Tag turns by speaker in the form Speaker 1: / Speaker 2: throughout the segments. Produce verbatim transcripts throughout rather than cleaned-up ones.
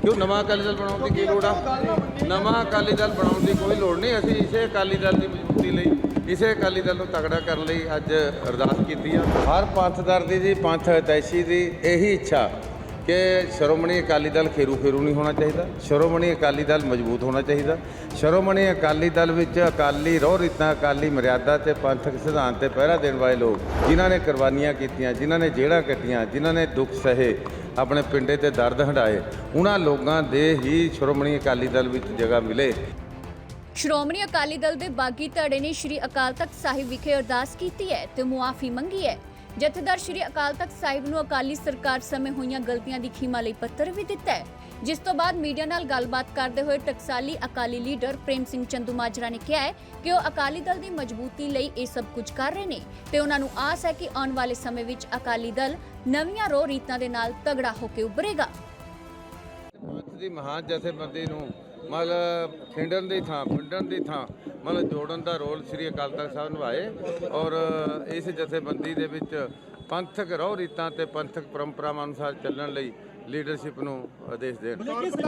Speaker 1: क्यों नवा अकाली दल बनाने की लोड़ आ? नवा अकाली दल बनाने की कोई लोड़ नहीं। असीं इसे अकाली दल की मजबूती लई इसे अकाली दल नूं तगड़ा करन लई अज अरदास कीती आ। हर पंथदर दी जी पंथ हितैषी दी यही इच्छा कि श्रोमणी अकाली दल खेरू फेरू नहीं होना चाहिए, श्रोमणी अकाली दल मजबूत होना चाहिए। श्रोमणी अकाली दल विच अकाली रोह रीतां अकाली मर्यादा ते पंथक सिद्धांत ते पहरा देने वाले लोग जिन्हां ने कुर्बानियां कीतियां, जिन्हां ने जेड़ां कट्टियां, जिन्हां ने दुख सहे, अपने पिंडे ते दर्द हंडाए, उन्हां लोगां दे ही श्रोमणी अकाली दल विच जगह मिले।
Speaker 2: श्रोमणी अकाली दल दे बागी धड़े ने श्री अकाल तख्त साहिब विखे अरदास कीती है ते मुआफी मंगी है। जथेदार श्री अकाल तख्त साहिब नूं अकाली सरकार समय होईयां गलतियां दी खीमा लई पत्तर भी दिता है, जिस तो बाद मीडिया नाल गलबात करते हुए टकसाली अकाली लीडर प्रेम सिंह चंदूमाजरा ने कहा है कि वह अकाली दल की मजबूती लई ये सब कुछ कर रहे हैं ते उन्हां नूं आस है कि आने वाले समय विच अकाली दल नवीआं रोह रीतां दे नाल तगड़ा होकर उभरेगा।
Speaker 1: पंथ दी महान जथेबंदी नूं मतलब खिंडन की थां पिंडन की थां मतलब जोड़न का रोल श्री अकाल तख्त साहब निभाए और इस जथेबंदी दे विच पंथक रोह रीतां ते पंथक परंपरावां अनुसार चलण लई लीडरशिप नूं आदेश देण।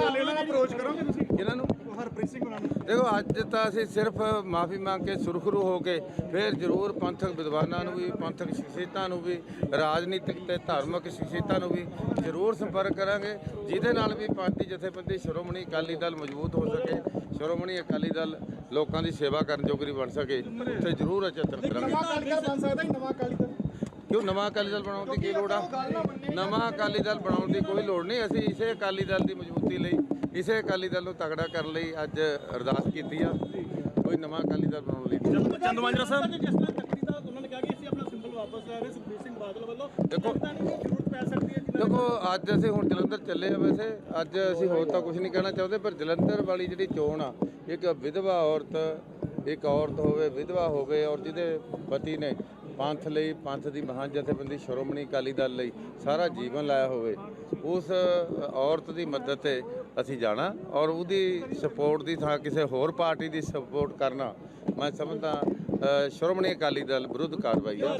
Speaker 1: देखो अज तो असीं सिर्फ माफ़ी मंग के सुरखरू हो के फिर जरूर पंथक विद्वानां नूं भी पंथक शख्सियतां नूं भी राजनीतिक ते धार्मिक शख्सियतां नूं भी जरूर संपर्क करांगे जिहदे नाल भी पार्टी जथेबंदी श्रोमणी अकाली दल मजबूत हो सके, श्रोमणी अकाली दल लोकां दी सेवा करन जोगरी बन सके, उत्थे जरूर यतन करांगे। क्यों नवा अकाली दल बनाने की लोड़ आ? नवा अकाली दल बनाने की कोई लोड़ नहीं। असीं इसे अकाली दल की मजबूती लई इसे अकाली दल नूं तगड़ा करन लई अज अरदास कीती आ। कोई नवा अकाली दल बनाउण लई
Speaker 3: चंदूमाजरा साहब जिस तरह तख्ती दा उन्होंने कहा कि ਅਸੀਂ ਆਪਣਾ ਸਿੰਬਲ ਵਾਪਸ ਲੈ ਰਹੇ ਸੁਖਬੀਰ ਸਿੰਘ ਬਾਦਲ ਵੱਲੋਂ
Speaker 1: देखो
Speaker 3: ਜ਼ਰੂਰਤ ਪੈ ਸਕਦੀ ਹੈ।
Speaker 1: देखो अज असीं हुण जलंधर ਚੱਲੇ आ। वैसे अज असीं होर तां कुछ नहीं कहना चाहते, पर जलंधर वाली जिहड़ी चोण आ एक विधवा औरत एक औरत होवे विधवा होवे और जिहदे पति ने पंथ ਲਈ पंथ ਦੀ ਮਹਾਨ ਜਥੇਬੰਦੀ ਸ਼੍ਰੋਮਣੀ ਅਕਾਲੀ ਦਲ ਲਈ ਸਾਰਾ ਜੀਵਨ ਲਾਇਆ ਹੋਵੇ, ਉਸ ਔਰਤ ਦੀ ਮਦਦ ਤੇ ਅਸੀਂ ਜਾਣਾ ਔਰ ਉਹਦੀ ਸਪੋਰਟ ਦੀ ਥਾਂ ਕਿਸੇ ਹੋਰ ਪਾਰਟੀ ਦੀ ਸਪੋਰਟ ਕਰਨਾ ਮੈਂ ਸਮਝਦਾ ਸ਼੍ਰੋਮਣੀ ਅਕਾਲੀ ਦਲ ਵਿਰੁੱਧ ਕਾਰਵਾਈ ਹੈ।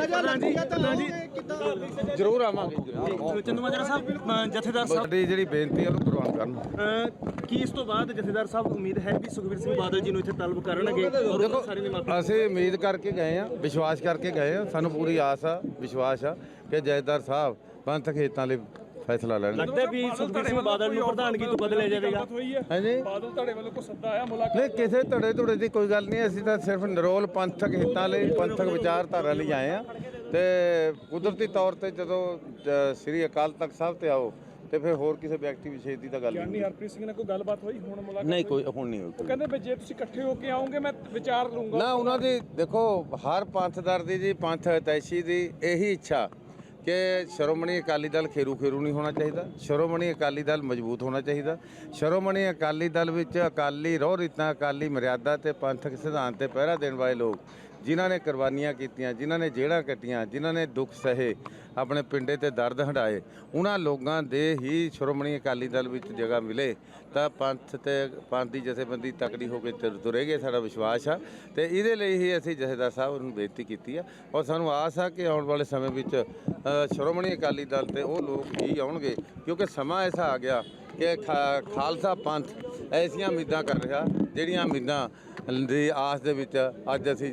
Speaker 1: ਜ਼ਰੂਰ ਆਵਾਂਗੇ।
Speaker 3: ਚੰਦੂਮਾਜਰਾ ਸਾਹਿਬ ਜਥੇਦਾਰ ਸਾਹਿਬ
Speaker 1: ਸਾਡੀ ਜਿਹੜੀ ਬੇਨਤੀ ਹੈ ਉਹਨੂੰ ਪ੍ਰਵਾਨ ਕਰਨ।
Speaker 3: ਕੀ ਇਸ ਤੋਂ ਬਾਅਦ ਜਥੇਦਾਰ ਸਾਹਿਬ ਉਮੀਦ ਹੈ ਵੀ ਸੁਖਬੀਰ ਸਿੰਘ ਬਾਦਲ ਜੀ ਨੂੰ ਇੱਥੇ ਤਲਬ ਕਰਨਗੇ ਔਰ ਉਹ ਸਾਰੇ ਦੀ ਮਾਫੀ?
Speaker 1: ਅਸੀਂ ਉਮੀਦ ਕਰਕੇ ਗਏ ਆ, ਵਿਸ਼ਵਾਸ ਕਰਕੇ ਗਏ ਆ, ਸਾਨੂੰ ਪੂਰੀ ਆਸ ਆ ਵਿਸ਼ਵਾਸ ਆ ਕਿ ਜਥੇਦਾਰ ਸਾਹਿਬ ਪੰਥਕ ਹਿੱਤਾਂ ਲਈ ਫੈਸਲਾ ਲੈਣ।
Speaker 3: ਲੱਗਦਾ ਵੀ ਸੁਖਬੀਰ ਸਿੰਘ ਬਾਦਲ ਨੂੰ ਪ੍ਰਧਾਨਗੀ ਤੋਂ ਬਦਲਿਆ ਜਾਵੇਗਾ?
Speaker 1: ਹਾਂਜੀ
Speaker 3: ਬਾਦਲ ਧੜੇ ਵੱਲੋਂ ਕੋਈ ਸੱਦਾ ਆਇਆ ਮੁਲਾਕਾਤ?
Speaker 1: ਨਹੀਂ, ਕਿਸੇ ਧੜੇ ਧੁੜੇ ਦੀ ਕੋਈ ਗੱਲ ਨਹੀਂ। ਅਸੀਂ ਤਾਂ ਸਿਰਫ ਨਿਰੋਲ ਪੰਥਕ ਹਿੱਤਾਂ ਲਈ ਪੰਥਕ ਵਿਚਾਰਧਾਰਾ ਲਈ ਆਏ ਆ ਤੇ ਕੁਦਰਤੀ ਤੌਰ ਤੇ ਜਦੋਂ ਸ੍ਰੀ ਅਕਾਲ ਤਖਤ ਸਾਹਿਬ ਤੇ ਆਓ ਤੇ ਫਿਰ ਹੋਰ ਕਿਸੇ ਵਿਅਕਤੀ ਵਿਸ਼ੇਸ਼ ਦੀ ਤਾਂ ਗੱਲ ਨਹੀਂ।
Speaker 3: ਹਰਪ੍ਰੀਤ ਸਿੰਘ ਨਾਲ ਕੋਈ ਗੱਲਬਾਤ ਹੋਈ ਹੁਣ ਮੁਲਾਕਾਤ?
Speaker 1: ਨਹੀਂ, ਕੋਈ ਹੁਣ ਨਹੀਂ ਹੋਈ।
Speaker 3: ਕਹਿੰਦੇ ਵੀ ਜੇ ਤੁਸੀਂ ਇਕੱਠੇ ਹੋ ਕੇ ਆਓਗੇ ਮੈਂ ਵਿਚਾਰ ਲੂੰਗਾ
Speaker 1: ਨਾ। ਉਹਨਾਂ ਦੀ ਦੇਖੋ ਹਰ ਪੰਥਦਰ ਦੀ ਜੀ ਪੰਥ ਹਿਤੈਸ਼ੀ ਦੀ ਇਹੀ ਇੱਛਾ कि श्रोमणी अकाली दल खेरू फेरू नहीं होना चाहिए, श्रोमणी अकाली दल मजबूत होना चाहिए। श्रोमणी अकाली दल विच अकाली रोह रीतां अकाली मर्यादा ते पंथक सिद्धांत ते पहरा देने वाले लोग जिन्हां ने कुर्बानियां कीतियां, जिन्हां ने जेड़ां कट्टियां, जिन्हां ने दुख सहे, अपने पिंडे ते दर्द हंडाए, उन्हां लोगां दे ही श्रोमणी अकाली दल विच जगह मिले ਤਾਂ ਪੰਥ ਤੇ ਪੰਥ ਦੀ ਜਥੇਬੰਦੀ ਤਕੜੀ ਹੋ ਕੇ ਤੁਰੇਗੀ, ਸਾਡਾ ਵਿਸ਼ਵਾਸ ਆ। ਤੇ ਇਹਦੇ ਲਈ ਹੀ ਅਸੀਂ ਜਥੇਦਾਰ ਸਾਹਿਬ ਨੂੰ ਬੇਨਤੀ ਕੀਤੀ ਆ ਔਰ ਸਾਨੂੰ ਆਸ ਆ ਕਿ ਆਉਣ ਵਾਲੇ ਸਮੇਂ ਵਿੱਚ ਸ਼੍ਰੋਮਣੀ ਅਕਾਲੀ ਦਲ ਤੇ ਉਹ ਲੋਕ ਹੀ ਆਉਣਗੇ, ਕਿਉਂਕਿ ਸਮਾਂ ਐਸਾ ਆ ਗਿਆ ਕਿ ਖਾਲਸਾ ਪੰਥ ਐਸੀਆਂ ਉਮੀਦਾਂ ਕਰ ਰਿਹਾ ਜਿਹੜੀਆਂ ਉਮੀਦਾਂ ਦੀ ਆਸ ਦੇ ਵਿੱਚ ਅੱਜ ਅਸੀਂ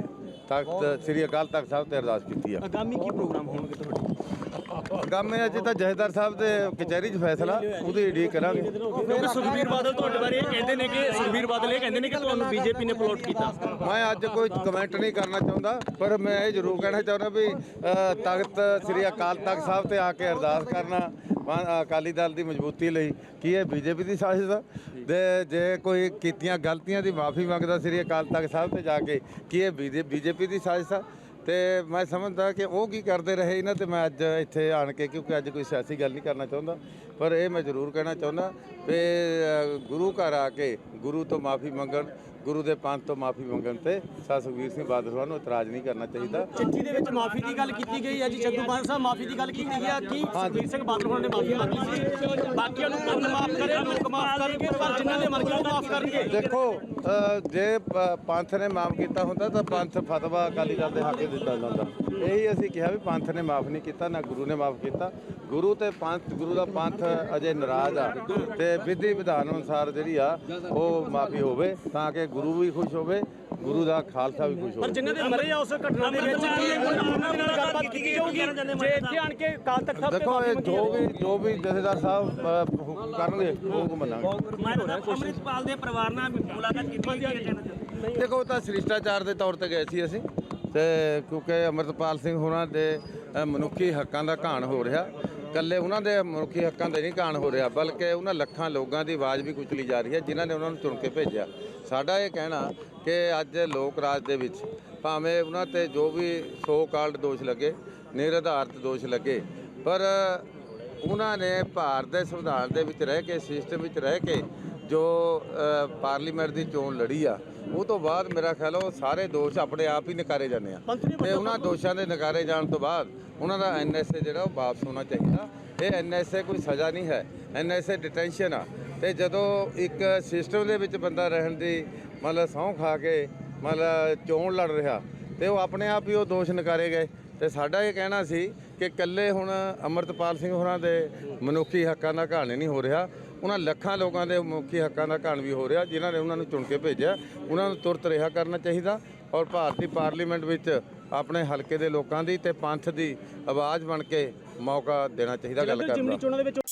Speaker 1: ਤਖਤ ਸ੍ਰੀ ਅਕਾਲ ਤਖਤ ਸਾਹਿਬ ਤੇ ਅਰਦਾਸ ਕੀਤੀ ਆ।
Speaker 3: ਆਗਾਮੀ ਕੀ ਪ੍ਰੋਗਰਾਮ ਹੋਣਗੇ ਤੁਹਾਡੇ?
Speaker 1: ਆਗਾਮੀ ਅੱਜ ਤਾਂ ਜਥੇਦਾਰ ਸਾਹਿਬ ਦੇ ਕਚਹਿਰੀ 'ਚ ਫੈਸਲਾ ਉਹਦੀ ਉਡੀਕ ਕਰਾਂਗੇ।
Speaker 3: ਕਿਉਂਕਿ ਸੁਖਬੀਰ ਬਾਦਲ ਤੁਹਾਡੇ ਬਾਰੇ ਇਹ ਕਹਿੰਦੇ ਨੇ ਕਿ ਸੁਖਬੀਰ ਬਾਦਲ ਇਹ ਕਹਿੰਦੇ ਨੇ ਕਿ ਤੁਹਾਨੂੰ ਬੀਜੇਪੀ ਨੇ ਪਲੋਟ ਕੀਤਾ।
Speaker 1: ਮੈਂ ਅੱਜ ਕੋਈ ਕਮੈਂਟ ਨਹੀਂ ਕਰਨਾ ਚਾਹੁੰਦਾ, ਪਰ ਮੈਂ ਇਹ ਜ਼ਰੂਰ ਕਹਿਣਾ ਚਾਹੁੰਦਾ ਵੀ ਤਖਤ ਸ੍ਰੀ ਅਕਾਲ ਤਖਤ ਸਾਹਿਬ ਤੇ ਆ ਕੇ ਅਰਦਾਸ ਕਰਨਾ ਅਕਾਲੀ ਦਲ ਦੀ ਮਜ਼ਬੂਤੀ ਲਈ ਕੀ ਇਹ ਬੀਜੇਪੀ ਦੀ ਸਾਜ਼ਿਸ਼ ਆ? ਦੇ ਜੇ ਕੋਈ ਕੀਤੀਆਂ ਗਲਤੀਆਂ ਦੀ ਮਾਫੀ ਮੰਗਦਾ ਸ੍ਰੀ ਅਕਾਲ ਤਖਤ ਸਾਹਿਬ ਤੇ ਜਾ ਕੇ ਕੀ ਇਹ ਬੀਜੇਪੀ ਦੀ ਸਾਜ਼ਿਸ਼ ਆ? ਤੇ ਮੈਂ ਸਮਝਦਾ ਕਿ ਉਹ ਕੀ ਕਰਦੇ ਰਹੇ ਇਹਨਾਂ ਤੇ ਮੈਂ ਅੱਜ ਇੱਥੇ ਆਣ ਕੇ, ਕਿਉਂਕਿ ਅੱਜ ਕੋਈ ਸਿਆਸੀ ਗੱਲ ਨਹੀਂ ਕਰਨਾ ਚਾਹੁੰਦਾ, ਪਰ ਇਹ ਮੈਂ ਜ਼ਰੂਰ ਕਹਿਣਾ ਚਾਹੁੰਦਾ ਵੀ ਗੁਰੂ ਘਰ ਆ ਕੇ ਗੁਰੂ ਤੋਂ ਮਾਫੀ ਮੰਗਣ, ਗੁਰੂ ਦੇ ਪੰਥ ਤੋਂ ਮਾਫੀ ਮੰਗਣ ਤੇ ਸਾ ਸੁਖਬੀਰ ਸਿੰਘ ਬਾਦਲ ਸਾਹਿਬ ਨੂੰ ਇਤਰਾਜ਼ ਨਹੀਂ ਕਰਨਾ ਚਾਹੀਦਾ।
Speaker 3: ਚਿੱਠੀ ਦੇ ਵਿੱਚ ਮਾਫੀ ਦੀ ਗੱਲ ਕੀਤੀ ਗਈ ਹੈ ਜੀ, ਚੰਦੂਮਾਜਰਾ ਸਾਹਿਬ ਮਾਫੀ ਦੀ ਗੱਲ ਕੀਤੀ ਗਈ ਹੈ ਕਿ ਸੁਖਬੀਰ ਸਿੰਘ ਬਾਦਲ ਹੋਣਾ ਨੇ ਮਾਫੀ ਮੰਗੀ ਸੀ, ਬਾਕੀਆਂ ਨੂੰ ਪੰਥ ਮਾਫ ਕਰੇ, ਲੋਕ ਮਾਫ ਕਰਨਗੇ, ਪਰ ਜਿਨ੍ਹਾਂ ਦੇ ਮਰ ਗਏ ਉਹ ਮਾਫ ਕਰਨਗੇ।
Speaker 1: ਦੇਖੋ ਜੇ ਪੰਥ ਨੇ ਮਾਫ ਕੀਤਾ ਹੁੰਦਾ ਤਾਂ ਪੰਥ ਫਤਵਾ ਅਕਾਲੀ ਦਲ ਦੇ ਹੱਕ ਦਿੱਤਾ ਜਾਂਦਾ। ਇਹੀ ਅਸੀਂ ਕਿਹਾ ਵੀ ਪੰਥ ਨੇ ਮਾਫ ਨਹੀਂ ਕੀਤਾ, ਨਾ ਗੁਰੂ ਨੇ ਮਾਫ ਕੀਤਾ। ਗੁਰੂ ਤੇ ਪੰਥ, ਗੁਰੂ ਦਾ ਪੰਥ ਅਜੇ ਨਾਰਾਜ਼ ਆ ਤੇ ਵਿਧੀ ਵਿਧਾਨ ਅਨੁਸਾਰ ਜਿਹੜੀ ਆ ਉਹ ਮਾਫੀ ਹੋਵੇ ਤਾਂ ਕਿ ਗੁਰੂ ਵੀ ਖੁਸ਼ ਹੋਵੇ, ਗੁਰੂ ਦਾ ਖਾਲਸਾ ਵੀ ਖੁਸ਼
Speaker 3: ਪਰ
Speaker 1: ਹੋਵੇ।
Speaker 3: ਜਿਨ੍ਹਾਂ ਦੇ ਮਰੇ ਆ ਉਸ ਘਟਨਾ ਦੇ ਵਿੱਚ ਕੀ ਉਹਨਾਂ ਦੇ ਨਾਲ ਗੱਲਬਾਤ ਕੀਤੀ ਜਾਊਗੀ ਜੇ ਇੱਥੇ ਆਣ ਕੇ ਅਕਾਲ ਤਖਤ ਸਾਹਿਬ ਤੇ
Speaker 1: ਦੇਖੋ
Speaker 3: ਮਾਫੀ
Speaker 1: ਇਹ
Speaker 3: ਮੰਗੀ
Speaker 1: ਜੋ ਵੀ ਜੋ ਵੀ ਜਥੇਦਾਰ ਸਾਹਿਬ ਅ, ਹੁਕਮ ਕਰਨਗੇ ਉਹ ਮੰਨਾਂਗੇ।
Speaker 3: ਅੰਮ੍ਰਿਤਪਾਲ ਦੇ ਪਰਿਵਾਰ ਨਾਲ ਮੁਲਾਕਾਤ ਕੀਤੀ ਹੈ।
Speaker 1: ਦੇਖੋ ਉਹ ਤਾਂ ਸ਼ਿਸ਼ਟਾਚਾਰ ਦੇ ਤੌਰ ਤੇ ਗਏ ਸੀ ਅਸੀਂ, ਤੇ ਕਿਉਂਕਿ ਅੰਮ੍ਰਿਤਪਾਲ ਸਿੰਘ ਹੋਰਾਂ ਦੇ ਅ, ਮਨੁੱਖੀ ਹੱਕਾਂ ਦਾ ਘਾਣ ਹੋ ਰਿਹਾ। ਇਕੱਲੇ ਉਹਨਾਂ ਦੇ ਮਨੁੱਖੀ ਹੱਕਾਂ ਦੇ ਨਹੀਂ ਘਾਣ ਹੋ ਰਿਹਾ, ਬਲਕਿ ਉਹਨਾਂ ਲੱਖਾਂ ਲੋਕਾਂ ਦੀ ਆਵਾਜ਼ ਵੀ ਕੁਚਲੀ ਜਾ ਰਹੀ ਹੈ ਜਿਨ੍ਹਾਂ ਨੇ ਉਹਨਾਂ ਨੂੰ ਚੁਣ ਕੇ ਭੇਜਿਆ। ਸਾਡਾ ਇਹ ਕਹਿਣਾ ਕਿ ਅੱਜ ਲੋਕ ਰਾਜ ਦੇ ਵਿੱਚ ਭਾਵੇਂ ਉਹਨਾਂ ਤੇ ਜੋ ਵੀ ਸੋ ਕਾਲਡ ਦੋਸ਼ ਲੱਗੇ, ਨਿਰਆਧਾਰਿਤ ਦੋਸ਼ ਲੱਗੇ, ਪਰ ਉਹਨਾਂ ਨੇ ਭਾਰਤ ਦੇ ਸੰਵਿਧਾਨ ਦੇ ਵਿੱਚ ਰਹਿ ਕੇ, ਸਿਸਟਮ ਵਿੱਚ ਰਹਿ ਕੇ ਜੋ ਅ, ਪਾਰਲੀਮੈਂਟ ਦੀ ਚੋਣ ਲੜੀ ਆ, ਉਹ ਤੋਂ ਬਾਅਦ ਮੇਰਾ ਖਿਆਲ ਉਹ ਸਾਰੇ ਦੋਸ਼ ਆਪਣੇ ਆਪ ਹੀ ਨਕਾਰੇ ਜਾਂਦੇ ਆ ਤੇ ਉਹਨਾਂ ਦੋਸ਼ਾਂ ਦੇ ਨਕਾਰੇ ਜਾਣ ਤੋਂ ਬਾਅਦ ਉਹਨਾਂ ਦਾ ਐਨ ਐਸ ਏ ਜਿਹੜਾ ਉਹ ਵਾਪਸ ਹੋਣਾ ਚਾਹੀਦਾ। ਇਹ ਐਨ ਐਸ ਏ ਕੋਈ ਸਜ਼ਾ ਨਹੀਂ ਹੈ, ਐਨ ਐਸ ਏ ਡਿਟੈਂਸ਼ਨ ਆ। ਤੇ ਜਦੋਂ ਇੱਕ ਸਿਸਟਮ ਦੇ ਵਿੱਚ ਬੰਦਾ ਰਹਿਣ ਦੀ ਮਤਲਬ ਸਹੁੰ ਖਾ ਕੇ ਮਤਲਬ ਚੋਣ ਲੜ ਰਿਹਾ ਤੇ ਉਹ ਆਪਣੇ ਆਪ ਹੀ ਉਹ ਦੋਸ਼ ਨਕਾਰੇ ਗਏ। ਤੇ ਸਾਡਾ ਇਹ ਕਹਿਣਾ ਸੀ ਕਿ ਇਕੱਲੇ ਹੁਣ ਅੰਮ੍ਰਿਤਪਾਲ ਸਿੰਘ ਹੋਰਾਂ ਦੇ ਮਨੁੱਖੀ ਹੱਕਾਂ ਦਾ ਘਾਣ ਨਹੀਂ ਹੋ ਰਿਹਾ, ਉਹਨਾਂ ਲੱਖਾਂ ਲੋਕਾਂ ਦੇ ਮਨੁੱਖੀ ਹੱਕਾਂ ਦਾ ਘਾਣ ਵੀ ਹੋ ਰਿਹਾ ਜਿਨ੍ਹਾਂ ਨੇ ਉਹਨਾਂ ਨੂੰ ਚੁਣ ਕੇ ਭੇਜਿਆ। ਉਹਨਾਂ ਨੂੰ ਤੁਰਤ ਰਿਹਾ ਕਰਨਾ ਚਾਹੀਦਾ ਔਰ ਭਾਰਤੀ ਪਾਰਲੀਮੈਂਟ ਵਿੱਚ ਆਪਣੇ ਹਲਕੇ ਦੇ ਲੋਕਾਂ ਦੀ ਤੇ ਪੰਥ ਦੀ ਆਵਾਜ਼ ਬਣ ਕੇ ਮੌਕਾ ਦੇਣਾ ਚਾਹੀਦਾ ਗੱਲ ਕਰਨ ਦਾ।
Speaker 3: ਚੋਣਾਂ ਦੇ ਵਿੱਚ